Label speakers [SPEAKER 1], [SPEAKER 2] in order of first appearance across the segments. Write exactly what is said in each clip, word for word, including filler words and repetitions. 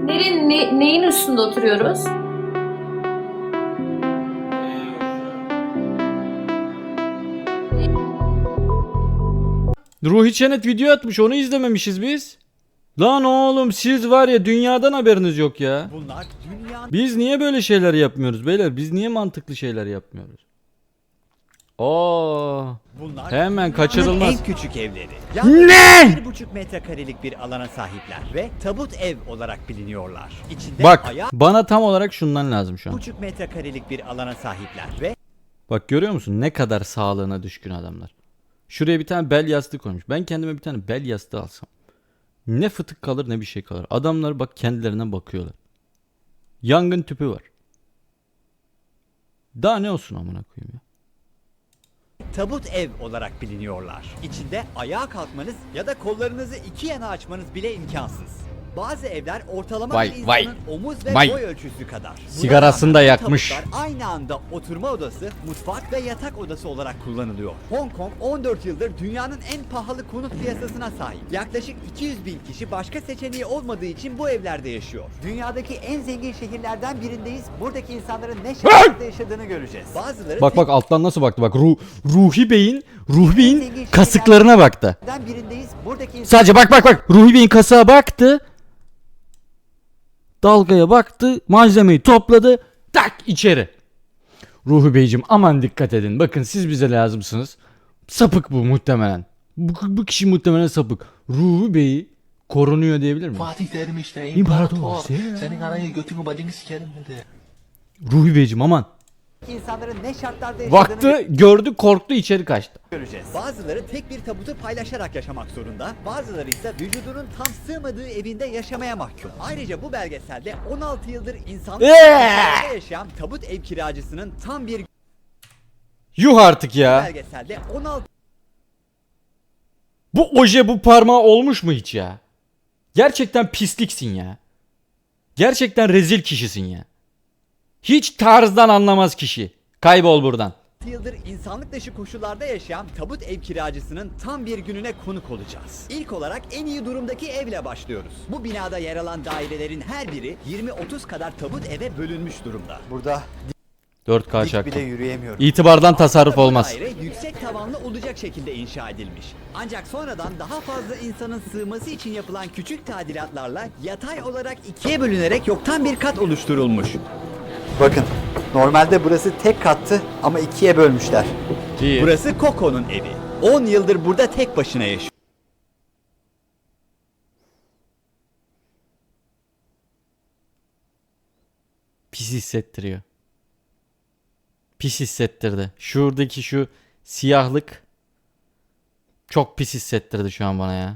[SPEAKER 1] Nerin, ne, neyin üstünde oturuyoruz?
[SPEAKER 2] Ruhi Çenet video atmış, onu izlememişiz biz. Lan oğlum siz var ya dünyadan haberiniz yok ya.
[SPEAKER 3] Bunlar dünyanın
[SPEAKER 2] Biz niye böyle şeyler yapmıyoruz beyler? Biz niye mantıklı şeyler yapmıyoruz? Oo.
[SPEAKER 3] bunlar
[SPEAKER 2] Hemen
[SPEAKER 3] dünyanın
[SPEAKER 2] kaçırılmaz.
[SPEAKER 3] en küçük evleri.
[SPEAKER 2] Ne?
[SPEAKER 3] Bir buçuk metrekarelik bir alana sahipler ve tabut ev olarak biliniyorlar. İçinde
[SPEAKER 2] Bak
[SPEAKER 3] ayağı
[SPEAKER 2] bana tam olarak şundan lazım şu an.
[SPEAKER 3] buçuk metrekarelik bir alana sahipler ve
[SPEAKER 2] Bak görüyor musun ne kadar sağlığına düşkün adamlar. Şuraya bir tane bel yastığı koymuş. Ben kendime bir tane bel yastığı alsam. Ne fıtık kalır ne bir şey kalır. Adamlar bak kendilerine bakıyorlar. Yangın tüpü var. Daha ne olsun amına koyayım ya.
[SPEAKER 3] tabut ev olarak biliniyorlar. İçinde ayağa kalkmanız ya da kollarınızı iki yana açmanız bile imkansız. Bazı evler ortalama
[SPEAKER 2] Vay,
[SPEAKER 3] bir insanın
[SPEAKER 2] vay,
[SPEAKER 3] omuz ve
[SPEAKER 2] vay.
[SPEAKER 3] boy ölçüsü kadar. Buna
[SPEAKER 2] Sigarasını da
[SPEAKER 3] rağmen bu
[SPEAKER 2] yakmış.
[SPEAKER 3] tabutlar aynı anda oturma odası, mutfak ve yatak odası olarak kullanılıyor. Hong Kong on dört yıldır dünyanın en pahalı konut piyasasına sahip. Yaklaşık iki yüz bin kişi başka seçeneği olmadığı için bu evlerde yaşıyor. Dünyadaki en zengin şehirlerden birindeyiz. Buradaki insanların ne şartlarda yaşadığını göreceğiz. Bazıları
[SPEAKER 2] Bak bak alttan nasıl baktı bak. Ruh, Ruhi Bey'in Ruhi Bey'in
[SPEAKER 3] zengin
[SPEAKER 2] kasıklarına baktı.
[SPEAKER 3] şehirlerden birindeyiz. Buradaki
[SPEAKER 2] Sadece bak bak bak. Ruhi Bey'in kasığa baktı. Dalgaya baktı. Malzemeyi topladı. Tak içeri. Ruhi Beyciğim aman dikkat edin. Bakın siz bize lazımsınız. Sapık bu muhtemelen. Bu, bu kişi muhtemelen sapık. Ruhi Bey'i korunuyor diyebilir miyim?
[SPEAKER 4] Fatih derim işte
[SPEAKER 2] İmparator.
[SPEAKER 4] imparator. Senin anayı götünü bacını sikerim dedi.
[SPEAKER 2] Ruhi Beyciğim aman.
[SPEAKER 3] insanların ne şartlarda yaşadığını
[SPEAKER 2] Baktı gördü korktu içeri kaçtı.
[SPEAKER 3] göreceğiz. Bazıları tek bir tabutu paylaşarak yaşamak zorunda, bazıları ise vücudunun tam sığmadığı evinde yaşamaya mahkum. Ayrıca bu belgeselde on altı yıldır insanlık
[SPEAKER 2] Eee!
[SPEAKER 3] sınırlarında yaşayan tabut ev kiracısının tam bir
[SPEAKER 2] Yuh artık ya.
[SPEAKER 3] belgeselde on altı
[SPEAKER 2] Bu oje bu parmağı olmuş mu hiç ya? Gerçekten pisliksin ya. Gerçekten rezil kişisin ya. Hiç tarzdan anlamaz kişi. Kaybol buradan.
[SPEAKER 3] yıldır insanlık dışı koşullarda yaşayan tabut ev kiracısının tam bir gününe konuk olacağız. İlk olarak en iyi durumdaki evle başlıyoruz. Bu binada yer alan dairelerin her biri yirmi otuz kadar tabut eve bölünmüş durumda. Burada
[SPEAKER 2] dört K
[SPEAKER 3] dik
[SPEAKER 2] çaktım.
[SPEAKER 3] bile yürüyemiyorum.
[SPEAKER 2] İtibardan tasarruf
[SPEAKER 3] Bu
[SPEAKER 2] olmaz.
[SPEAKER 3] daire yüksek tavanlı olacak şekilde inşa edilmiş. Ancak sonradan daha fazla insanın sığması için yapılan küçük tadilatlarla yatay olarak ikiye bölünerek yoktan bir kat oluşturulmuş. Bakın, normalde burası tek kattı ama ikiye bölmüşler.
[SPEAKER 2] İyi.
[SPEAKER 3] Burası Coco'nun evi. on yıldır burada tek başına yaşıyor.
[SPEAKER 2] Pis hissettiriyor. Pis hissettirdi. Şuradaki şu siyahlık çok pis hissettirdi şu an bana ya.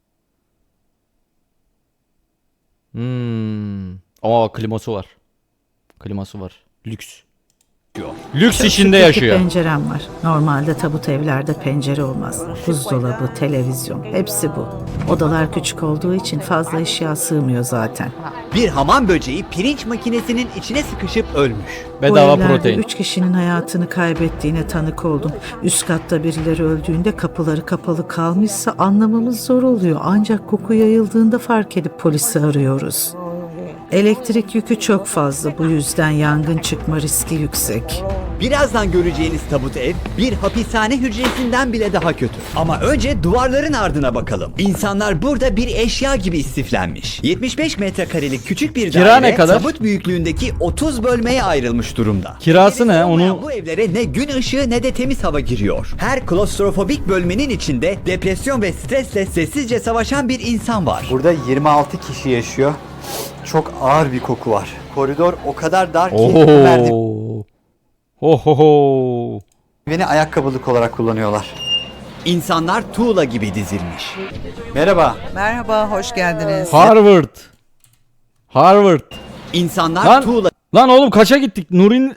[SPEAKER 2] Hmm. Aa kliması var. Kliması var. Lüks. Lüks içinde
[SPEAKER 5] İki
[SPEAKER 2] yaşıyor.
[SPEAKER 5] pencerem var. Normalde tabut evlerde pencere olmaz. Buzdolabı, televizyon, hepsi bu. Odalar küçük olduğu için fazla eşya sığmıyor zaten.
[SPEAKER 3] Bir hamam böceği pirinç makinesinin içine sıkışıp ölmüş.
[SPEAKER 5] Bu
[SPEAKER 2] Bedava
[SPEAKER 5] evlerde
[SPEAKER 2] protein.
[SPEAKER 5] üç kişinin hayatını kaybettiğine tanık oldum. Üst katta birileri öldüğünde kapıları kapalı kalmışsa anlamamız zor oluyor. Ancak koku yayıldığında fark edip polisi arıyoruz. Elektrik yükü çok fazla, bu yüzden yangın çıkma riski yüksek.
[SPEAKER 3] Birazdan göreceğiniz tabut ev bir hapishane hücresinden bile daha kötü. Ama önce duvarların ardına bakalım. İnsanlar burada bir eşya gibi istiflenmiş. yetmiş beş metrekarelik küçük bir
[SPEAKER 2] Kira
[SPEAKER 3] daire
[SPEAKER 2] ne kadar?
[SPEAKER 3] tabut büyüklüğündeki otuz bölmeye ayrılmış durumda.
[SPEAKER 2] Kirası ne?
[SPEAKER 3] Gerisi olmayan
[SPEAKER 2] Onu-
[SPEAKER 3] Bu evlere ne gün ışığı ne de temiz hava giriyor. Her klostrofobik bölmenin içinde depresyon ve stresle sessizce savaşan bir insan var.
[SPEAKER 6] Burada yirmi altı kişi yaşıyor. Çok ağır bir koku var. Koridor o kadar dar ki bu merdiveni
[SPEAKER 2] Oho. Ohoho.
[SPEAKER 6] ayakkabılık olarak kullanıyorlar.
[SPEAKER 3] İnsanlar tuğla gibi dizilmiş.
[SPEAKER 6] Merhaba.
[SPEAKER 7] Merhaba, hoş geldiniz.
[SPEAKER 2] Harvard. Harvard.
[SPEAKER 3] İnsanlar
[SPEAKER 2] Lan,
[SPEAKER 3] tuğla
[SPEAKER 2] lan oğlum kaça gittik? Nuri'nin...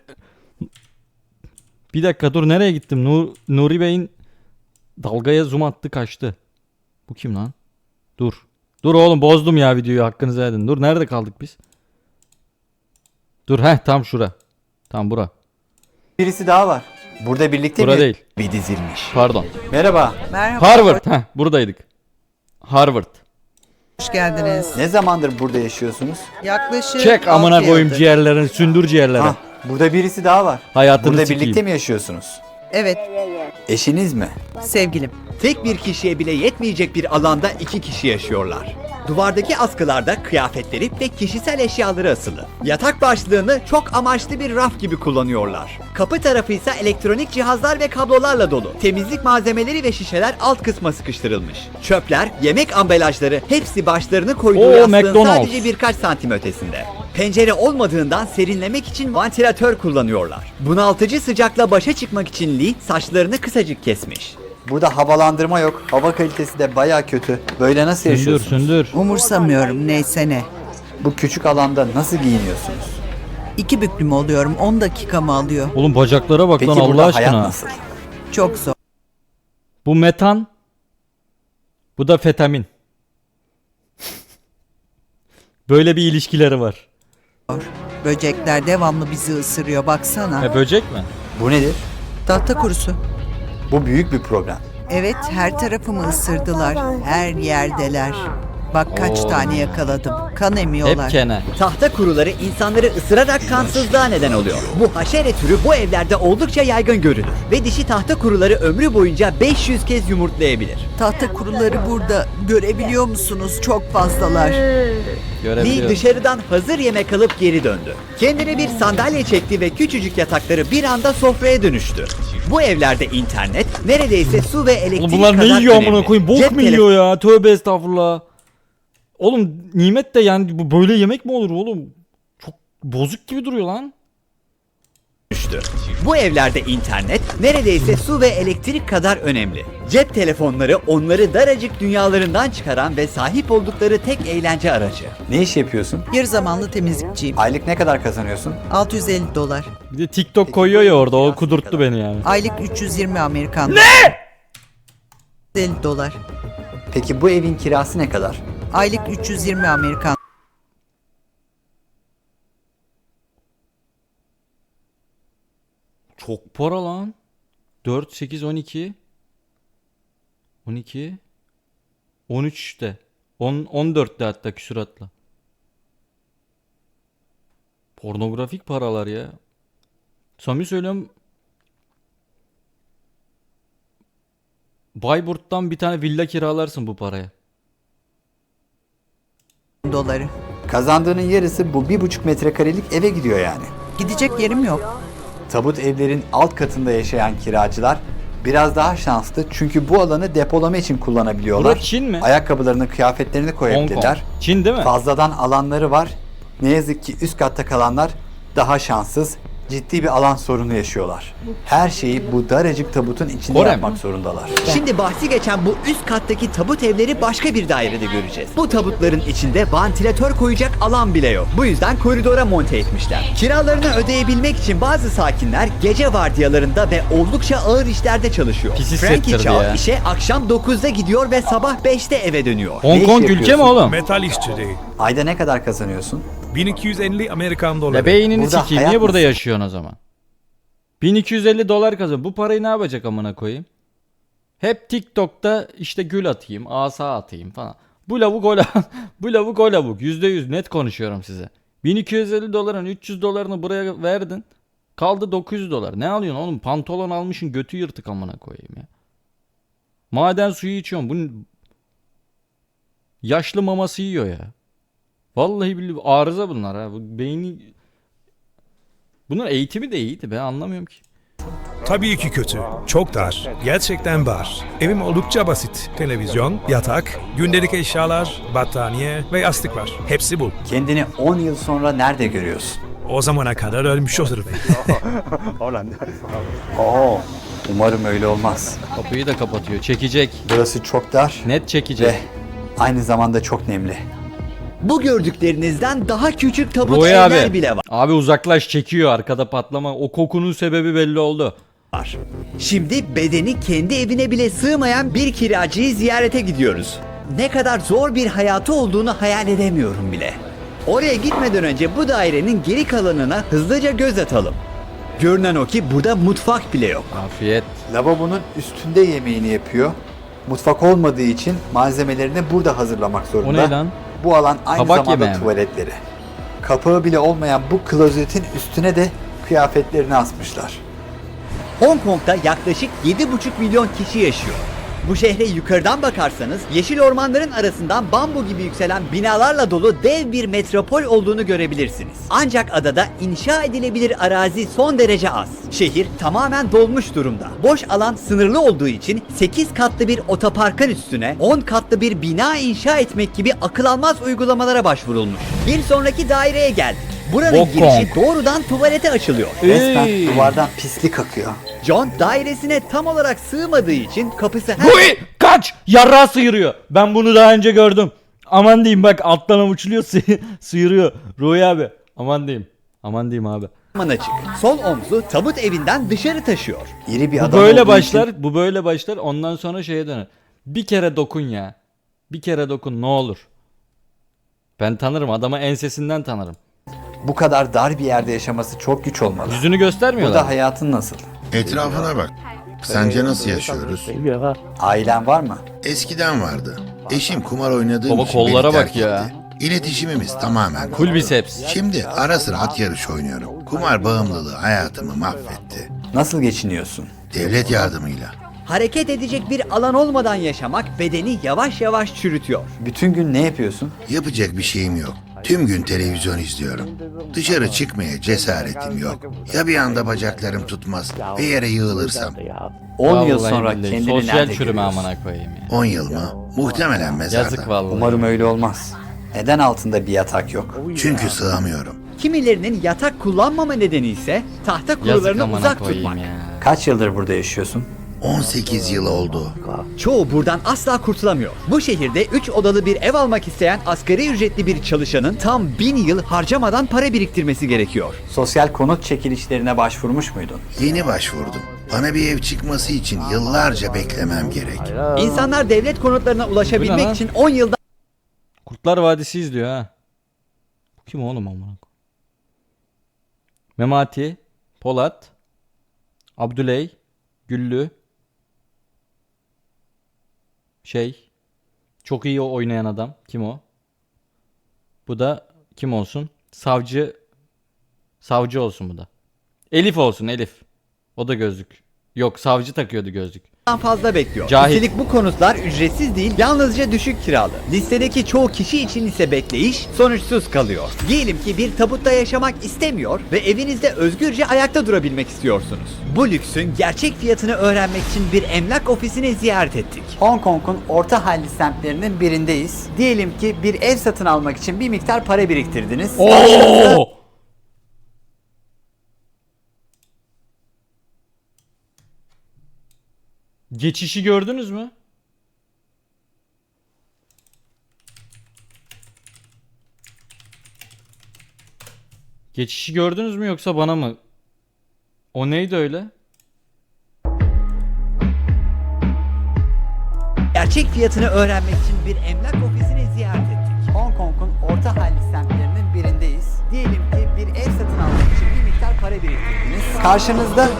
[SPEAKER 2] Bir dakika dur nereye gittim? Nur, Nuri Bey'in dalgaya zoom attı kaçtı. Bu kim lan? Dur. Dur oğlum bozdum ya videoyu hakkınızı edin. Dur nerede kaldık biz? Dur heh tam şura. Tam bura.
[SPEAKER 6] Birisi daha var. Burada birlikte
[SPEAKER 2] Bura
[SPEAKER 6] mi?
[SPEAKER 2] değil.
[SPEAKER 3] gibi dizilmiş.
[SPEAKER 2] Pardon.
[SPEAKER 6] Merhaba.
[SPEAKER 7] Merhaba.
[SPEAKER 2] Harvard. Heh buradaydık. Harvard.
[SPEAKER 7] Hoş geldiniz.
[SPEAKER 6] Ne zamandır burada yaşıyorsunuz?
[SPEAKER 7] Yaklaşık
[SPEAKER 2] Çek amına
[SPEAKER 7] altı
[SPEAKER 2] koyayım
[SPEAKER 7] yıldır.
[SPEAKER 2] ciğerlerini, sündür ciğerleri.
[SPEAKER 6] Hah, burada birisi daha var.
[SPEAKER 2] Hayatını
[SPEAKER 6] Burada
[SPEAKER 2] sikeyim.
[SPEAKER 6] birlikte mi yaşıyorsunuz?
[SPEAKER 7] Evet,
[SPEAKER 6] Eşiniz mi?
[SPEAKER 7] sevgilim.
[SPEAKER 3] Tek bir kişiye bile yetmeyecek bir alanda iki kişi yaşıyorlar. Duvardaki askılarda kıyafetleri ve kişisel eşyaları asılı. Yatak başlığını çok amaçlı bir raf gibi kullanıyorlar. Kapı tarafı ise elektronik cihazlar ve kablolarla dolu. Temizlik malzemeleri ve şişeler alt kısma sıkıştırılmış. Çöpler, yemek ambalajları hepsi başlarını koyduğu
[SPEAKER 2] Oo,
[SPEAKER 3] yastığın
[SPEAKER 2] McDonald's.
[SPEAKER 3] sadece birkaç santim ötesinde. Pencere olmadığından serinlemek için vantilatör kullanıyorlar. Bunaltıcı sıcakla başa çıkmak için Lee saçlarını kısacık kesmiş.
[SPEAKER 6] Burada havalandırma yok. Hava kalitesi de baya kötü. Böyle nasıl
[SPEAKER 2] Sündür
[SPEAKER 6] yaşıyorsunuz?
[SPEAKER 2] sündür.
[SPEAKER 7] Umursamıyorum neyse ne.
[SPEAKER 6] Bu küçük alanda nasıl giyiniyorsunuz?
[SPEAKER 7] İki büklüm oluyorum. on dakika mı alıyor?
[SPEAKER 2] Oğlum bacaklara bak
[SPEAKER 6] Peki
[SPEAKER 2] lan Allah
[SPEAKER 6] burada hayat
[SPEAKER 2] aşkına.
[SPEAKER 6] nasıl?
[SPEAKER 7] Çok zor.
[SPEAKER 2] Bu metan. Bu da fetamin. Böyle bir ilişkileri var.
[SPEAKER 7] Böcekler devamlı bizi ısırıyor baksana.
[SPEAKER 2] E böcek mi?
[SPEAKER 6] Bu nedir?
[SPEAKER 7] Tahta kurusu.
[SPEAKER 6] Bu büyük bir problem.
[SPEAKER 7] Evet, her tarafımı ısırdılar. Her yerdeler. Bak kaç
[SPEAKER 2] Oo.
[SPEAKER 7] tane yakaladım. Kan emiyorlar.
[SPEAKER 2] Hep kene.
[SPEAKER 3] Tahta kuruları insanları ısırarak kansızlığa neden oluyor. Bu haşere türü bu evlerde oldukça yaygın görülür. Ve dişi tahta kuruları ömrü boyunca beş yüz kez yumurtlayabilir.
[SPEAKER 7] Tahta kuruları burada. Görebiliyor musunuz? Çok fazlalar.
[SPEAKER 3] Lee
[SPEAKER 2] Görebiliyorum.
[SPEAKER 3] dışarıdan hazır yemek alıp geri döndü. Kendine bir sandalye çekti ve küçücük yatakları bir anda sofraya dönüştü. Bu evlerde internet neredeyse su ve elektrik
[SPEAKER 2] Oğlum bunlar
[SPEAKER 3] kadar
[SPEAKER 2] ne yiyor
[SPEAKER 3] önemli.
[SPEAKER 2] amına koyayım? Bok
[SPEAKER 3] Cep
[SPEAKER 2] mu yiyor ya? Tövbe estağfurullah. Oğlum nimet de yani bu böyle yemek mi olur oğlum? Çok bozuk gibi duruyor lan.
[SPEAKER 3] düştü. Bu evlerde internet neredeyse su ve elektrik kadar önemli. Cep telefonları onları daracık dünyalarından çıkaran ve sahip oldukları tek eğlence aracı.
[SPEAKER 6] Ne iş yapıyorsun?
[SPEAKER 7] Yarı zamanlı temizlikçiyim.
[SPEAKER 6] Aylık ne kadar kazanıyorsun?
[SPEAKER 7] altı yüz elli dolar.
[SPEAKER 2] Bir de TikTok koyuyor ya orada, o kudurttu beni yani.
[SPEAKER 7] Aylık üç yüz yirmi Amerikan. Ne? elli dolar.
[SPEAKER 6] Peki bu evin kirası ne kadar?
[SPEAKER 7] Aylık üç yüz yirmi Amerikan.
[SPEAKER 2] Çok para lan. dört, sekiz, on iki. on iki. on üçte. on, on dörtte hatta küsuratla. Pornografik paralar ya. Samimi söylüyorum. Bayburt'tan bir tane villa kiralarsın bu paraya.
[SPEAKER 7] doları.
[SPEAKER 6] Kazandığının yarısı bu bir buçuk metrekarelik eve gidiyor yani.
[SPEAKER 7] Gidecek yerim yok.
[SPEAKER 6] Tabut evlerin alt katında yaşayan kiracılar biraz daha şanslı çünkü bu alanı depolama için kullanabiliyorlar.
[SPEAKER 2] Burası Çin mi?
[SPEAKER 6] Ayakkabılarını, kıyafetlerini
[SPEAKER 2] Hong Kong.
[SPEAKER 6] koyabilirler.
[SPEAKER 2] Çin değil mi?
[SPEAKER 6] Fazladan alanları var. Ne yazık ki üst katta kalanlar daha şanssız, ciddi bir alan sorunu yaşıyorlar. Her şeyi bu daracık tabutun içinde
[SPEAKER 2] Kore mi?
[SPEAKER 6] yapmak zorundalar.
[SPEAKER 3] Şimdi bahsi geçen bu üst kattaki tabut evleri başka bir dairede göreceğiz. Bu tabutların içinde vantilatör koyacak alan bile yok. Bu yüzden koridora monte etmişler. Kiralarını ödeyebilmek için bazı sakinler gece vardiyalarında ve oldukça ağır işlerde çalışıyor.
[SPEAKER 2] Pis
[SPEAKER 3] Frankie
[SPEAKER 2] hissettirdi
[SPEAKER 3] Chow
[SPEAKER 2] ya.
[SPEAKER 3] işe akşam dokuzda gidiyor ve sabah beşte eve dönüyor.
[SPEAKER 6] Ne
[SPEAKER 2] Hong
[SPEAKER 6] iş
[SPEAKER 2] Kong ülke mi
[SPEAKER 6] yapıyorsun?
[SPEAKER 2] oğlum?
[SPEAKER 8] Metal işçiliği.
[SPEAKER 6] Ayda ne kadar kazanıyorsun?
[SPEAKER 8] bin iki yüz elli Amerikan doları.
[SPEAKER 2] Ya beynini
[SPEAKER 6] Burada
[SPEAKER 2] sikeyim.
[SPEAKER 6] hayat
[SPEAKER 2] Niye burada
[SPEAKER 6] nasıl?
[SPEAKER 2] yaşıyorsun o zaman? bin iki yüz elli dolar kazan. Bu parayı ne yapacak amına koyayım? Hep TikTok'ta işte gül atayım, asa atayım falan. Bu lavuk o lavuk. Bu lavuk o lavuk. yüzde yüz net konuşuyorum size. bin iki yüz elli doların üç yüz dolarını buraya verdin. Kaldı dokuz yüz dolar. Ne alıyorsun oğlum? Pantolon almışsın, götü yırtık amına koyayım ya. Maden suyu içiyorsun. Bu yaşlı maması yiyor ya. Vallahi billahi arıza bunlar ha. Bu beyni... Bunun eğitimi de iyiydi, ben anlamıyorum ki.
[SPEAKER 8] Tabii ki kötü. Çok dar. Gerçekten var. Evim oldukça basit. Televizyon, yatak, gündelik eşyalar, battaniye ve yastık var. Hepsi bu.
[SPEAKER 6] Kendini on yıl sonra nerede görüyorsun?
[SPEAKER 8] O zamana kadar ölmüş olurum.
[SPEAKER 6] Oo, umarım öyle olmaz.
[SPEAKER 2] Kapıyı da kapatıyor. Çekecek.
[SPEAKER 6] Burası çok dar
[SPEAKER 2] Net çekecek.
[SPEAKER 6] ve aynı zamanda çok nemli.
[SPEAKER 3] Bu gördüklerinizden daha küçük tabut
[SPEAKER 2] Roy
[SPEAKER 3] evler
[SPEAKER 2] abi.
[SPEAKER 3] bile var.
[SPEAKER 2] Abi uzaklaş, çekiyor arkada patlama. O kokunun sebebi belli oldu.
[SPEAKER 3] Şimdi bedeni kendi evine bile sığmayan bir kiracıyı ziyarete gidiyoruz. Ne kadar zor bir hayatı olduğunu hayal edemiyorum bile. Oraya gitmeden önce bu dairenin geri kalanına hızlıca göz atalım. Görünen o ki burada mutfak bile yok.
[SPEAKER 2] Afiyet.
[SPEAKER 6] Lavabonun üstünde yemeğini yapıyor Mutfak olmadığı için malzemelerini burada hazırlamak
[SPEAKER 2] O
[SPEAKER 6] zorunda.
[SPEAKER 2] ne lan?
[SPEAKER 6] Bu alan aynı
[SPEAKER 2] Kabak
[SPEAKER 6] zamanda
[SPEAKER 2] yemeği mi?
[SPEAKER 6] tuvaletleri. Kapağı bile olmayan bu klozetin üstüne de kıyafetlerini asmışlar.
[SPEAKER 3] Hong Kong'da yaklaşık yedi buçuk milyon kişi yaşıyor. Bu şehre yukarıdan bakarsanız yeşil ormanların arasından bambu gibi yükselen binalarla dolu dev bir metropol olduğunu görebilirsiniz. Ancak adada inşa edilebilir arazi son derece az. Şehir tamamen dolmuş durumda. Boş alan sınırlı olduğu için sekiz katlı bir otoparkın üstüne on katlı bir bina inşa etmek gibi akıl almaz uygulamalara başvurulmuş. Bir sonraki daireye geldik. Buranın
[SPEAKER 2] Hong
[SPEAKER 3] girişi
[SPEAKER 2] Kong.
[SPEAKER 3] doğrudan tuvalete açılıyor.
[SPEAKER 6] Resmen
[SPEAKER 2] Ey!
[SPEAKER 6] duvardan pislik akıyor.
[SPEAKER 3] John dairesine tam olarak sığmadığı için kapısı her...
[SPEAKER 2] Huy! Kaç! Yarrağı sıyırıyor. Ben bunu daha önce gördüm. Aman diyeyim bak alttan avuçluyor sı- sıyırıyor. Ruhi abi. Aman diyeyim. Aman diyeyim abi.
[SPEAKER 3] Aman açık. Sol omzu tabut evinden dışarı taşıyor.
[SPEAKER 6] İri bir
[SPEAKER 2] Bu
[SPEAKER 6] adam
[SPEAKER 2] böyle
[SPEAKER 6] olduğu
[SPEAKER 2] başlar.
[SPEAKER 6] için
[SPEAKER 2] Bu böyle başlar. Ondan sonra şeye döner. Bir kere dokun ya. Bir kere dokun ne olur. Ben tanırım. Adamı ensesinden tanırım.
[SPEAKER 6] bu kadar dar bir yerde yaşaması çok güç olmalı.
[SPEAKER 2] Yüzünü göstermiyorlar.
[SPEAKER 6] Burada hayatın nasıl?
[SPEAKER 9] Etrafına bak. Sence nasıl yaşıyoruz?
[SPEAKER 6] Ailen var mı?
[SPEAKER 9] Eskiden vardı. Eşim kumar oynadığım
[SPEAKER 2] Baba
[SPEAKER 9] için
[SPEAKER 2] kollara
[SPEAKER 9] beni
[SPEAKER 2] bak
[SPEAKER 9] terk
[SPEAKER 2] ya.
[SPEAKER 9] etti. İletişimimiz tamamen
[SPEAKER 2] Full
[SPEAKER 9] koptu.
[SPEAKER 2] biceps.
[SPEAKER 9] Şimdi ara sıra at yarışı oynuyorum. Kumar bağımlılığı hayatımı mahvetti.
[SPEAKER 6] Nasıl geçiniyorsun?
[SPEAKER 9] Devlet yardımıyla.
[SPEAKER 3] Hareket edecek bir alan olmadan yaşamak bedeni yavaş yavaş çürütüyor.
[SPEAKER 6] Bütün gün ne yapıyorsun?
[SPEAKER 9] Yapacak bir şeyim yok. Tüm gün televizyon izliyorum. Dışarı çıkmaya cesaretim yok. Ya bir anda bacaklarım tutmaz ve yere yığılırsam?
[SPEAKER 6] on yıl
[SPEAKER 2] Vallahi
[SPEAKER 6] sonra
[SPEAKER 2] billahi.
[SPEAKER 6] kendini
[SPEAKER 2] Sosyal
[SPEAKER 6] nerede
[SPEAKER 2] çürüme
[SPEAKER 6] görüyorsun?
[SPEAKER 2] amına koyayım ya.
[SPEAKER 9] on yıl mı? Muhtemelen mezarda.
[SPEAKER 2] Yazık vallahi.
[SPEAKER 6] Umarım öyle olmaz. Neden altında bir yatak yok?
[SPEAKER 9] Çünkü sığamıyorum.
[SPEAKER 3] Kimilerinin yatak kullanmama nedeni ise tahta
[SPEAKER 2] Yazık
[SPEAKER 3] kurularını
[SPEAKER 2] amına
[SPEAKER 3] uzak
[SPEAKER 2] koyayım
[SPEAKER 3] tutmak.
[SPEAKER 2] ya.
[SPEAKER 6] Kaç yıldır burada yaşıyorsun?
[SPEAKER 9] on sekiz yıl oldu.
[SPEAKER 3] Çoğu buradan asla kurtulamıyor. Bu şehirde üç odalı bir ev almak isteyen asgari ücretli bir çalışanın tam bin yıl harcamadan para biriktirmesi gerekiyor.
[SPEAKER 6] Sosyal konut çekilişlerine başvurmuş muydun?
[SPEAKER 9] Yeni başvurdum. Bana bir ev çıkması için yıllarca beklemem gerek.
[SPEAKER 3] İnsanlar devlet konutlarına
[SPEAKER 2] Bu ne
[SPEAKER 3] ulaşabilmek
[SPEAKER 2] lan?
[SPEAKER 3] için on yıldan
[SPEAKER 2] Kurtlar Vadisi izliyor ha. Bu kim oğlum amına koyayım? Memati, Polat, Abdüley, Güllü, şey, çok iyi oynayan adam. Kim o? Bu da kim olsun? Savcı, savcı olsun bu da. Elif olsun Elif. O da gözlük. Yok savcı takıyordu gözlük.
[SPEAKER 3] fazla bekliyor.
[SPEAKER 2] Cahil.
[SPEAKER 3] Üstelik bu konutlar ücretsiz değil, yalnızca düşük kiralı. Listedeki çoğu kişi için ise bekleyiş sonuçsuz kalıyor. Diyelim ki bir tabutta yaşamak istemiyor ve evinizde özgürce ayakta durabilmek istiyorsunuz. Bu lüksün gerçek fiyatını öğrenmek için bir emlak ofisini ziyaret ettik.
[SPEAKER 6] Hong Kong'un orta halli semtlerinin birindeyiz. Diyelim ki bir ev satın almak için bir miktar para biriktirdiniz.
[SPEAKER 2] Oo! Geçişi gördünüz mü? Geçişi gördünüz mü yoksa bana mı? O neydi öyle?
[SPEAKER 3] Gerçek fiyatını öğrenmek için bir emlak ofisini ziyaret ettik.
[SPEAKER 6] Hong Kong'un orta halli semtlerinin birindeyiz. Diyelim ki bir ev satın almak için bir miktar para biriktirdiniz. Karşınızda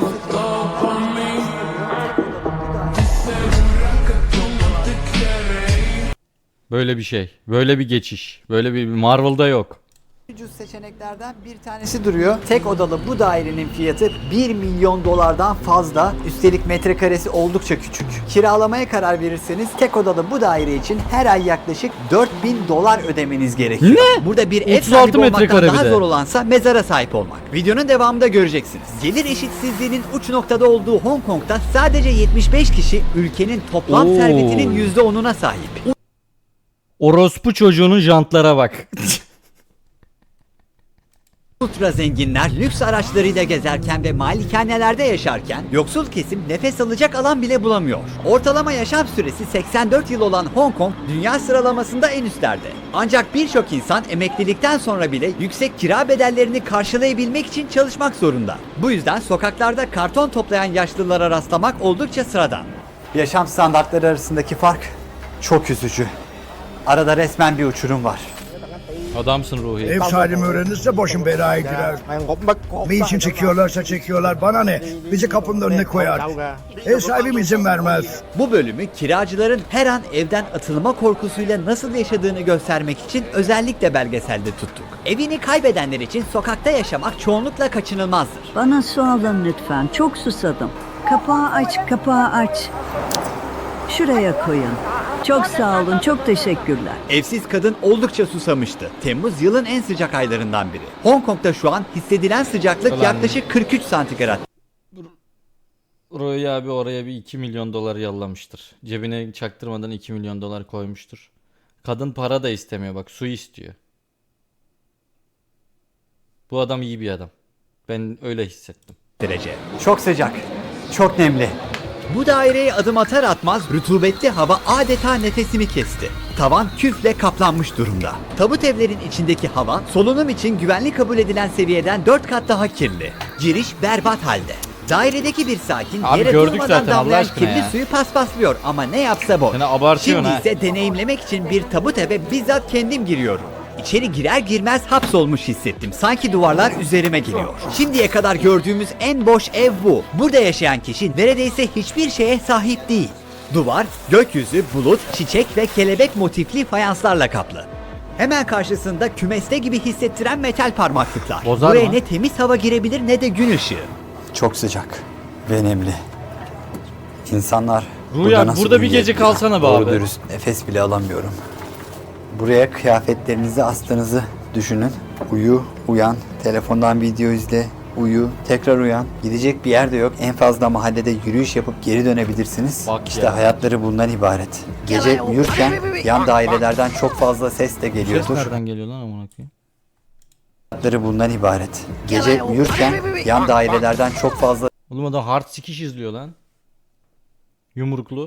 [SPEAKER 2] Böyle bir şey. Böyle bir geçiş. Böyle bir Marvel'da yok.
[SPEAKER 6] ucuz seçeneklerden bir tanesi duruyor. Tek odalı bu dairenin fiyatı bir milyon dolardan fazla. Üstelik metrekaresi oldukça küçük. Kiralamaya karar verirseniz tek odalı bu daire için her ay yaklaşık dört bin dolar ödemeniz gerekiyor.
[SPEAKER 2] Ne?
[SPEAKER 3] Burada bir ev
[SPEAKER 2] otuz altı
[SPEAKER 3] sahibi olmaktan
[SPEAKER 2] metrekare bir
[SPEAKER 3] daha
[SPEAKER 2] de.
[SPEAKER 3] zor olansa mezara sahip olmak. Videonun devamında göreceksiniz. Gelir eşitsizliğinin uç noktada olduğu Hong Kong'da sadece yetmiş beş kişi ülkenin toplam
[SPEAKER 2] Oo.
[SPEAKER 3] servetinin yüzde onuna sahip.
[SPEAKER 2] Orospu çocuğunun jantlara bak.
[SPEAKER 3] Ultra zenginler lüks araçlarıyla gezerken ve malikanelerde yaşarken yoksul kesim nefes alacak alan bile bulamıyor. Ortalama yaşam süresi seksen dört yıl olan Hong Kong dünya sıralamasında en üstlerde. Ancak birçok insan emeklilikten sonra bile yüksek kira bedellerini karşılayabilmek için çalışmak zorunda. Bu yüzden sokaklarda karton toplayan yaşlılara rastlamak oldukça sıradan.
[SPEAKER 6] Yaşam standartları arasındaki fark çok üzücü. Arada resmen bir uçurum var.
[SPEAKER 2] Adamsın Ruhi.
[SPEAKER 8] Ev sahibim öğrenirse başım belaya girer. Ne için çekiyorlarsa çekiyorlar, bana ne? Bizi kapının önüne koyar. Ev sahibim izin vermez.
[SPEAKER 3] Bu bölümü kiracıların her an evden atılma korkusuyla nasıl yaşadığını göstermek için özellikle belgeselde tuttuk. Evini kaybedenler için sokakta yaşamak çoğunlukla kaçınılmazdır.
[SPEAKER 7] Bana su alın lütfen. Çok susadım. Kapağı aç, kapağı aç. Şuraya koyun. Çok sağ olun, çok teşekkürler.
[SPEAKER 3] Evsiz kadın oldukça susamıştı. Temmuz yılın en sıcak aylarından biri. Hong Kong'da şu an hissedilen sıcaklık
[SPEAKER 2] Ulan.
[SPEAKER 3] yaklaşık kırk üç santigrat.
[SPEAKER 2] Ruhi abi oraya bir iki milyon dolar yollamıştır. Cebine çaktırmadan iki milyon dolar koymuştur. Kadın para da istemiyor, bak su istiyor. Bu adam iyi bir adam. Ben öyle hissettim.
[SPEAKER 3] derece. Çok sıcak, çok nemli. Bu daireye adım atar atmaz rutubetli hava adeta nefesimi kesti. Tavan küfle kaplanmış durumda. Tabut evlerin içindeki hava solunum için güvenli kabul edilen seviyeden dört kat daha kirli. Giriş berbat halde. Dairedeki bir sakin
[SPEAKER 2] Abi
[SPEAKER 3] yere
[SPEAKER 2] gördük
[SPEAKER 3] durmadan
[SPEAKER 2] zaten, Allah
[SPEAKER 3] damlayan
[SPEAKER 2] aşkına
[SPEAKER 3] kirli
[SPEAKER 2] ya.
[SPEAKER 3] suyu paspaslıyor ama ne yapsa boş.
[SPEAKER 2] Seni abartıyorsun
[SPEAKER 3] Şimdi
[SPEAKER 2] ha.
[SPEAKER 3] ise deneyimlemek için bir tabut eve bizzat kendim giriyorum. İçeri girer girmez hapsolmuş hissettim. Sanki duvarlar üzerime geliyor. Şimdiye kadar gördüğümüz en boş ev bu. Burada yaşayan kişi neredeyse hiçbir şeye sahip değil. Duvar, gökyüzü, bulut, çiçek ve kelebek motifli fayanslarla kaplı. Hemen karşısında kümeste gibi hissettiren metal parmaklıklar.
[SPEAKER 2] Bozar
[SPEAKER 3] Buraya
[SPEAKER 2] mı?
[SPEAKER 3] ne temiz hava girebilir ne de gün ışığı. Çok sıcak ve nemli. İnsanlar
[SPEAKER 2] Ruya burada bir gece kalsana be abi.
[SPEAKER 3] dürüst nefes bile alamıyorum. Buraya kıyafetlerinizi astığınızı düşünün. Uyu, uyan, telefondan video izle, uyu, tekrar uyan. Gidecek bir yer de yok. En fazla mahallede yürüyüş yapıp geri dönebilirsiniz.
[SPEAKER 2] Bak
[SPEAKER 3] işte
[SPEAKER 2] ya.
[SPEAKER 3] hayatları bundan ibaret. Gece uyurken yan dairelerden çok fazla ses de
[SPEAKER 2] Ses
[SPEAKER 3] geliyordur.
[SPEAKER 2] nereden geliyor lan amına koyayım?
[SPEAKER 3] Hayatları bundan ibaret. Gece uyurken yan dairelerden çok fazla
[SPEAKER 2] Oğlum adam hard sikiş izliyor lan. Yumruklu.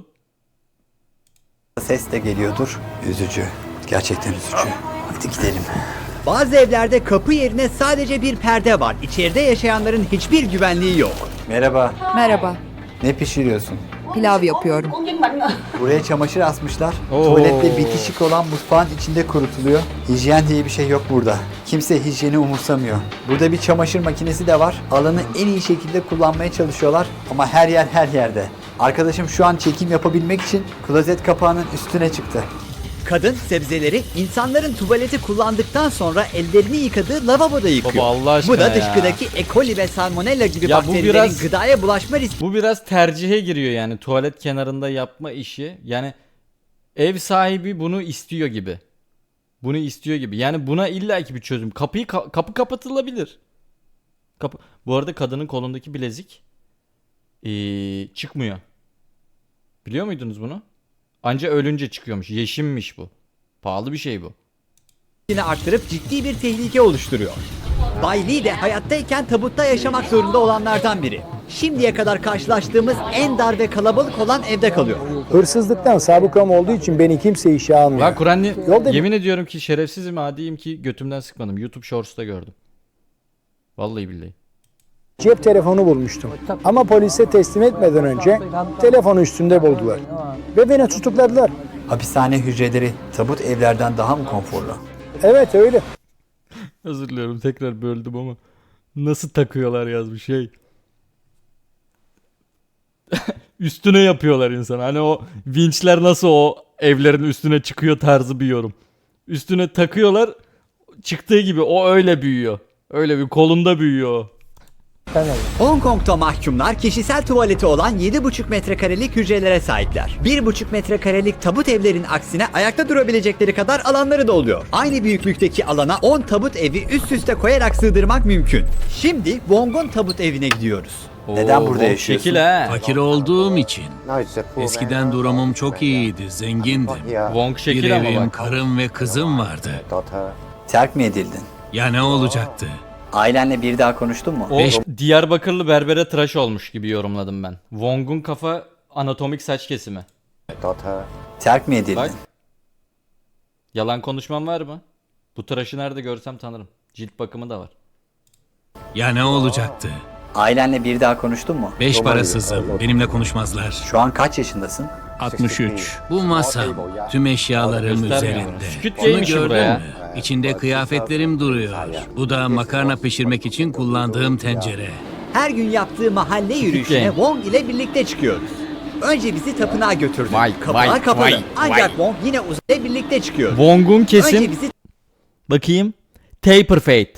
[SPEAKER 3] ses de geliyordur. Üzücü. Gerçekten üzücü. Hadi gidelim. Bazı evlerde kapı yerine sadece bir perde var. İçeride yaşayanların hiçbir güvenliği yok. Merhaba.
[SPEAKER 10] Merhaba,
[SPEAKER 3] Ne pişiriyorsun?
[SPEAKER 10] pilav yapıyorum.
[SPEAKER 3] Buraya çamaşır asmışlar.
[SPEAKER 2] Oo.
[SPEAKER 3] Tuvalette bitişik olan mutfağın içinde kurutuluyor. Hijyen diye bir şey yok burada. Kimse hijyeni umursamıyor. Burada bir çamaşır makinesi de var. Alanı en iyi şekilde kullanmaya çalışıyorlar. Ama her yer her yerde. Arkadaşım şu an çekim yapabilmek için klozet kapağının üstüne çıktı. Kadın sebzeleri insanların tuvaleti kullandıktan sonra ellerini yıkadığı lavaboda yıkıyor.
[SPEAKER 2] Baba Allah aşkına
[SPEAKER 3] Bu da
[SPEAKER 2] ya.
[SPEAKER 3] dışkıdaki E. coli ve salmonella gibi
[SPEAKER 2] Ya bu
[SPEAKER 3] bakterilerin
[SPEAKER 2] biraz-
[SPEAKER 3] gıdaya bulaşma riski
[SPEAKER 2] Bu biraz tercihe giriyor yani, tuvalet kenarında yapma işi. Yani ev sahibi bunu istiyor gibi. Bunu istiyor gibi. Yani buna illaki bir çözüm. Kapıyı ka- kapı kapatılabilir. Kapı. Bu arada kadının kolundaki bilezik ee, çıkmıyor. Biliyor muydunuz bunu? Anca ölünce çıkıyormuş. Yeşimmiş bu. Pahalı bir şey bu.
[SPEAKER 3] arttırıp ciddi bir tehlike oluşturuyor. Bay Lee de hayattayken tabutta yaşamak zorunda olanlardan biri. Şimdiye kadar karşılaştığımız en dar ve kalabalık olan evde kalıyor.
[SPEAKER 11] Hırsızlıktan sabıkam olduğu için beni kimse işe almıyor.
[SPEAKER 2] Lan Kur'an'ı
[SPEAKER 11] Yolda-
[SPEAKER 2] yemin ediyorum ki şerefsizim, adiyim ki götümden sıkmadım. YouTube Shorts'ta gördüm. Vallahi billahi.
[SPEAKER 11] Cep telefonu bulmuştum. Ama polise teslim etmeden önce telefonu üstünde buldular. Ve beni tutukladılar.
[SPEAKER 3] Hapishane hücreleri tabut evlerden daha mı konforlu?
[SPEAKER 11] Evet öyle.
[SPEAKER 2] Özür diliyorum, tekrar böldüm ama nasıl takıyorlar yazmış şey. Üstüne yapıyorlar insan. Hani o vinçler nasıl o evlerin üstüne çıkıyor tarzı bir yorum. Üstüne takıyorlar, çıktığı gibi o öyle büyüyor. Öyle bir kolunda büyüyor o.
[SPEAKER 3] Hong Kong'da mahkumlar kişisel tuvaleti olan yedi buçuk metrekarelik hücrelere sahipler. bir buçuk metrekarelik tabut evlerin aksine ayakta durabilecekleri kadar alanları da oluyor. Aynı büyüklükteki alana on tabut evi üst üste koyarak sığdırmak mümkün. Şimdi Wong'un tabut evine gidiyoruz. Neden
[SPEAKER 2] Oo,
[SPEAKER 3] burada
[SPEAKER 2] bok
[SPEAKER 3] yaşıyorsun?
[SPEAKER 2] şekil ha.
[SPEAKER 12] Fakir olduğum için. Eskiden durumum çok iyiydi, zengindim.
[SPEAKER 2] Wong
[SPEAKER 12] Bir
[SPEAKER 2] şekil ama
[SPEAKER 12] evim,
[SPEAKER 2] bak.
[SPEAKER 12] karım ve kızım vardı.
[SPEAKER 3] Terk mi edildin?
[SPEAKER 12] Ya ne olacaktı?
[SPEAKER 3] Ailenle bir daha konuştun mu?
[SPEAKER 2] O Diyarbakırlı berbere tıraş olmuş gibi yorumladım ben. Wong'un kafa anatomik saç kesimi.
[SPEAKER 3] Terk mi edildin?
[SPEAKER 2] Bak. Yalan konuşmam var mı? Bu tıraşı nerede görsem tanırım. Cilt bakımı da var.
[SPEAKER 12] Ya ne olacaktı?
[SPEAKER 3] Ailenle bir daha konuştun mu?
[SPEAKER 12] Beş parasızım, benimle konuşmazlar.
[SPEAKER 3] Şu an kaç yaşındasın?
[SPEAKER 12] altmış üç. Bu masam. Tüm eşyalarım
[SPEAKER 2] Göstermiyor bunu.
[SPEAKER 12] üzerinde.
[SPEAKER 2] Squid
[SPEAKER 12] Onu
[SPEAKER 2] Game'miş bu
[SPEAKER 12] gördün
[SPEAKER 2] buraya.
[SPEAKER 12] mü? İçinde kıyafetlerim duruyor. Bu da makarna pişirmek için kullandığım tencere.
[SPEAKER 3] Her gün yaptığı mahalle yürüyüşüne
[SPEAKER 2] Game.
[SPEAKER 3] Wong ile birlikte çıkıyoruz. Önce bizi tapınağa götürdü.
[SPEAKER 2] Vay,
[SPEAKER 3] Kapılar
[SPEAKER 2] vay,
[SPEAKER 3] kapalı.
[SPEAKER 2] vay,
[SPEAKER 3] Ancak
[SPEAKER 2] vay.
[SPEAKER 3] Wong yine uzayla birlikte çıkıyor.
[SPEAKER 2] Wong'un
[SPEAKER 3] Önce
[SPEAKER 2] kesin
[SPEAKER 3] bizi
[SPEAKER 2] bakayım. Taper Fate.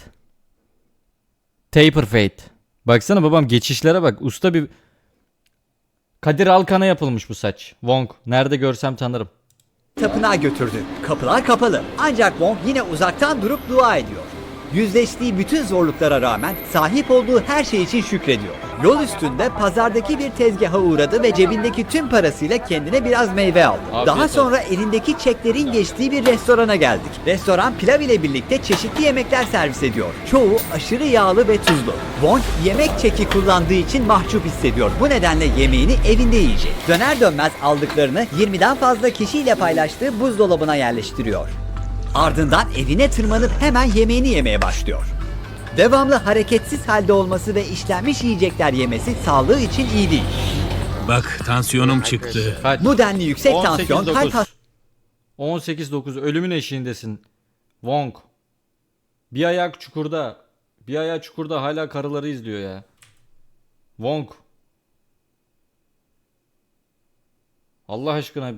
[SPEAKER 2] Taper Fate. Baksana babam geçişlere bak. Usta bir Kadir Alkan'a yapılmış bu saç. Wong. Nerede görsem tanırım.
[SPEAKER 3] tapınağa götürdü. Kapılar kapalı. Ancak Wong yine uzaktan durup dua ediyor. Yüzleştiği bütün zorluklara rağmen sahip olduğu her şey için şükrediyor. Yol üstünde pazardaki bir tezgaha uğradı ve cebindeki tüm parasıyla kendine biraz meyve aldı.
[SPEAKER 2] Afiyet
[SPEAKER 3] Daha
[SPEAKER 2] olsun.
[SPEAKER 3] sonra elindeki çeklerin geçtiği bir restorana geldik. Restoran pilav ile birlikte çeşitli yemekler servis ediyor. Çoğu aşırı yağlı ve tuzlu. Wong yemek çeki kullandığı için mahcup hissediyor. Bu nedenle yemeğini evinde yiyecek. Döner dönmez aldıklarını yirmiden fazla kişiyle paylaştığı buzdolabına yerleştiriyor. Ardından evine tırmanıp hemen yemeğini yemeye başlıyor. Devamlı hareketsiz halde olması ve işlenmiş yiyecekler yemesi sağlığı için iyi değil.
[SPEAKER 12] Bak tansiyonum çıktı.
[SPEAKER 2] Kaç?
[SPEAKER 3] Bu denli yüksek
[SPEAKER 2] on sekiz
[SPEAKER 3] tansiyon kalp
[SPEAKER 2] dokuz. on sekiz dokuz ölümün eşiğindesin. Wong. Bir ayak çukurda. Bir ayağı çukurda hala karıları izliyor ya. Wong. Allah aşkına.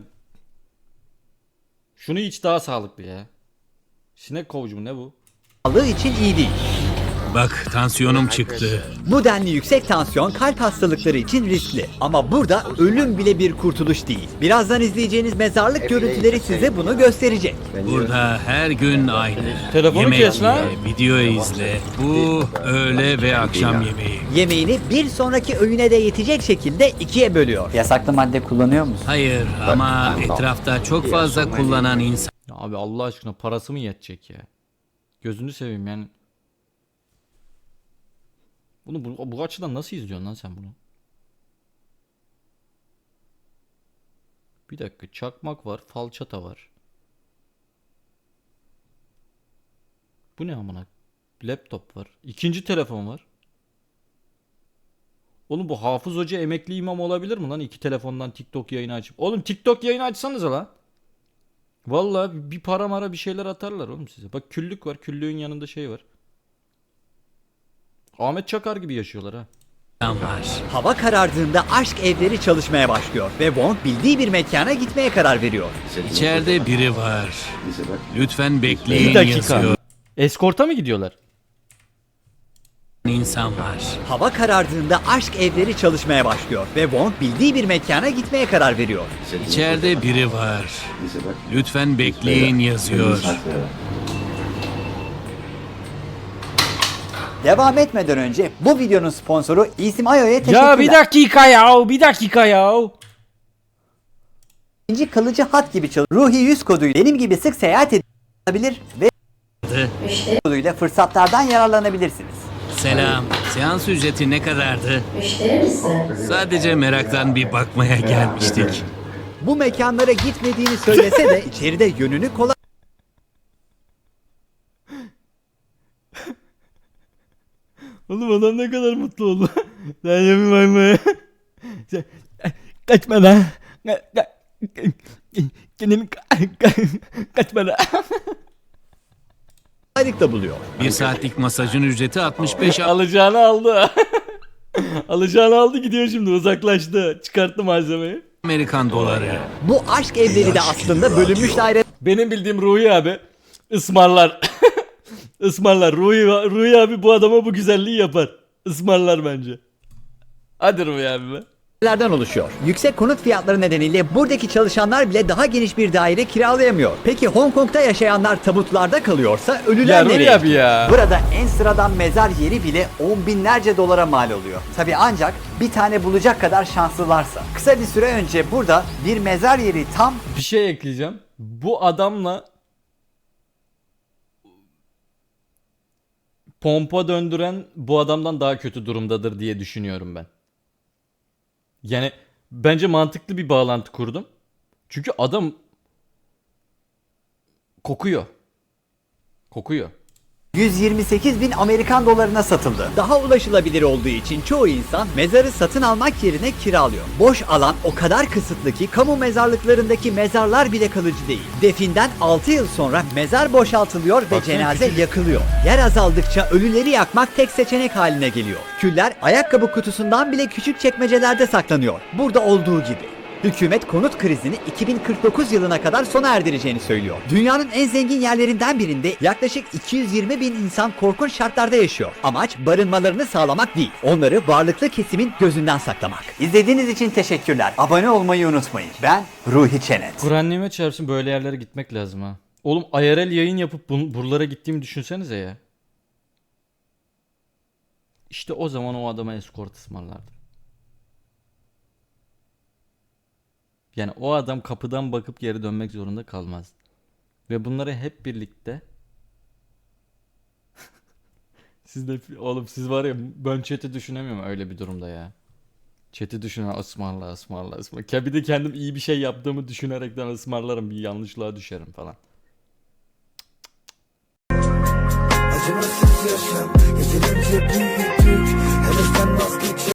[SPEAKER 2] Şunu iç daha sağlıklı ya. Sinek kovucu mu ne bu?
[SPEAKER 3] hastallığı için iyi değil.
[SPEAKER 12] Bak tansiyonum çıktı.
[SPEAKER 3] Bu denli yüksek tansiyon kalp hastalıkları için riskli. Ama burada ölüm bile bir kurtuluş değil. Birazdan izleyeceğiniz mezarlık görüntüleri size bunu gösterecek.
[SPEAKER 12] Burada her gün aynı.
[SPEAKER 2] Telefonu
[SPEAKER 12] Yemek
[SPEAKER 2] kes lan.
[SPEAKER 12] ye, video izle. Bu öğle ve akşam yemeği.
[SPEAKER 3] Yemeğini bir sonraki öğüne de yetecek şekilde ikiye bölüyor. Yasaklı madde kullanıyor musun?
[SPEAKER 12] Hayır ama etrafta çok fazla kullanan insan
[SPEAKER 2] Ya abi Allah aşkına parası mı yetecek ya? Gözünü seveyim yani. Bunu bu, bu açıdan nasıl izliyorsun lan sen bunu? Bir dakika, çakmak var, falçata var. Bu ne amına? Laptop var. İkinci telefon var. Oğlum bu Hafız Hoca emekli imam olabilir mi lan? İki telefondan TikTok yayını açıp. Oğlum TikTok yayını açsanıza lan. Vallahi bir para mara bir şeyler atarlar oğlum size. Bak küllük var. Küllüğün yanında şey var. Ahmet Çakar gibi yaşıyorlar ha.
[SPEAKER 12] var.
[SPEAKER 3] Hava karardığında aşk evleri çalışmaya başlıyor ve Wong bildiği bir mekana gitmeye karar veriyor.
[SPEAKER 12] İçeride biri var. Lütfen bekleyin
[SPEAKER 2] Bir dakika.
[SPEAKER 12] yazıyor.
[SPEAKER 2] Eskorta mı gidiyorlar?
[SPEAKER 12] İnsan var.
[SPEAKER 3] Hava karardığında aşk evleri çalışmaya başlıyor ve Wong bildiği bir mekana gitmeye karar veriyor.
[SPEAKER 12] İçeride biri var. Lütfen bekleyin yazıyor.
[SPEAKER 3] Devam etmeden önce bu videonun sponsoru İsmayo'ya teşekkürler.
[SPEAKER 2] Ya bir dakika ya, bir dakika ya.
[SPEAKER 3] İkinci kalıcı hat gibi çalışıyor. Ruhi yüz koduyla benim gibi sık seyahat edebilir ve koduyla fırsatlardan yararlanabilirsiniz.
[SPEAKER 12] Selam. Seans ücreti ne kadardı? Sadece meraktan bir bakmaya gelmiştik.
[SPEAKER 3] Bu mekanlara gitmediğini söylese de içeride yönünü kolay
[SPEAKER 2] Oğlum adam ne kadar mutlu oldu. Sen yapayım mı? Kaçma lan. Kendimi kaçma lan.
[SPEAKER 3] kolaylıkla buluyor.
[SPEAKER 12] Bir saatlik masajın ücreti altmış beş
[SPEAKER 2] Alacağını aldı. Alacağını aldı, gidiyor şimdi, uzaklaştı. Çıkarttı malzemeyi.
[SPEAKER 12] Amerikan doları.
[SPEAKER 3] Bu aşk evleri de aslında bölünmüş daire
[SPEAKER 2] Benim bildiğim Ruhi abi ısmarlar. Ismarlar. Ruhi, Ruhi abi bu adama bu güzelliği yapar. Ismarlar bence. Hadi Ruhi abi be.
[SPEAKER 3] lerden oluşuyor. Yüksek konut fiyatları nedeniyle buradaki çalışanlar bile daha geniş bir daire kiralayamıyor. Peki Hong Kong'da yaşayanlar tabutlarda kalıyorsa ölüler
[SPEAKER 2] Ya Ruhi
[SPEAKER 3] nereye?
[SPEAKER 2] abi ya.
[SPEAKER 3] Burada en sıradan mezar yeri bile on binlerce dolara mal oluyor. Tabi ancak bir tane bulacak kadar şanslılarsa. Kısa bir süre önce burada bir mezar yeri tam
[SPEAKER 2] Bir şey ekleyeceğim. Bu adamla pompa döndüren bu adamdan daha kötü durumdadır diye düşünüyorum ben. Yani bence mantıklı bir bağlantı kurdum. Çünkü adam kokuyor. Kokuyor.
[SPEAKER 6] yüz yirmi sekiz bin Amerikan dolarına satıldı. Daha ulaşılabilir olduğu için çoğu insan mezarı satın almak yerine kiralıyor. Boş alan o kadar kısıtlı ki kamu mezarlıklarındaki mezarlar bile kalıcı değil. Definden altı yıl sonra mezar boşaltılıyor ve
[SPEAKER 2] Baksana
[SPEAKER 6] cenaze
[SPEAKER 2] küçücük.
[SPEAKER 6] yakılıyor. Yer azaldıkça ölüleri yakmak tek seçenek haline geliyor. Küller ayakkabı kutusundan bile küçük çekmecelerde saklanıyor. Burada olduğu gibi. Hükümet konut krizini iki bin kırk dokuz yılına kadar sona erdireceğini söylüyor. Dünyanın en zengin yerlerinden birinde yaklaşık iki yüz yirmi bin insan korkunç şartlarda yaşıyor. Amaç barınmalarını sağlamak değil, onları varlıklı kesimin gözünden saklamak. İzlediğiniz için teşekkürler. Abone olmayı unutmayın. Ben Ruhi Çenet.
[SPEAKER 2] Kur'an nimet çarpsın, böyle yerlere gitmek lazım ha. Oğlum I R L yayın yapıp bun- buralara gittiğimi düşünsenize ya. İşte o zaman o adama escort ısmarlardım. Yani o adam kapıdan bakıp geri dönmek zorunda kalmaz. Ve bunları hep birlikte siz de oğlum siz var ya, ben chat'i düşünemiyorum öyle bir durumda ya. Chat'i düşünen ısmarla ısmarla ısmarla. Ya bir de kendim iyi bir şey yaptığımı düşünerekten ısmarlarım, bir yanlışlığa düşerim falan.
[SPEAKER 10] Acımasız yaşam, yeterince büyüdük. Heveslenmez